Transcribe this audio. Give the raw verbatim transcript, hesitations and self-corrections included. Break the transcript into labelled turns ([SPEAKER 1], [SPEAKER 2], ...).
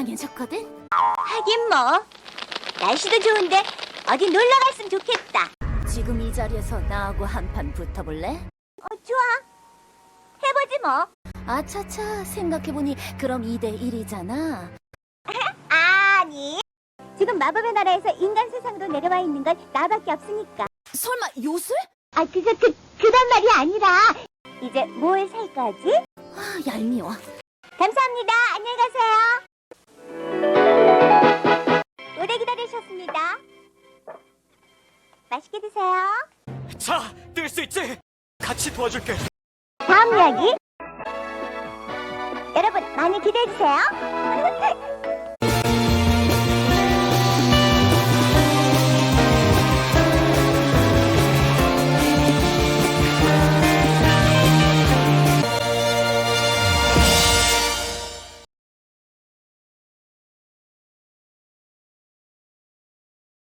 [SPEAKER 1] 이상해졌거든?
[SPEAKER 2] 하긴 뭐 날씨도 좋은데 어디 놀러 갔으면 좋겠다.
[SPEAKER 1] 지금 이 자리에서 나하고 한판 붙어볼래?
[SPEAKER 2] 어, 좋아. 해보지 뭐.
[SPEAKER 1] 아차차, 생각해보니 그럼 이 대 일이잖아.
[SPEAKER 2] 아니, 지금 마법의 나라에서 인간 세상으로 내려와 있는 건 나밖에 없으니까.
[SPEAKER 1] 설마 요술?
[SPEAKER 2] 아, 그거 그, 그런 말이 아니라 이제 뭘 살 거지?
[SPEAKER 1] 아, 얄미워.
[SPEAKER 2] 감사합니다. 안녕히 가세요. 오래 기다리셨습니다. 맛있게 드세요.
[SPEAKER 3] 자, 뜰 수 있지? 같이 도와줄게.
[SPEAKER 2] 다음 이야기 여러분 많이 기대해주세요.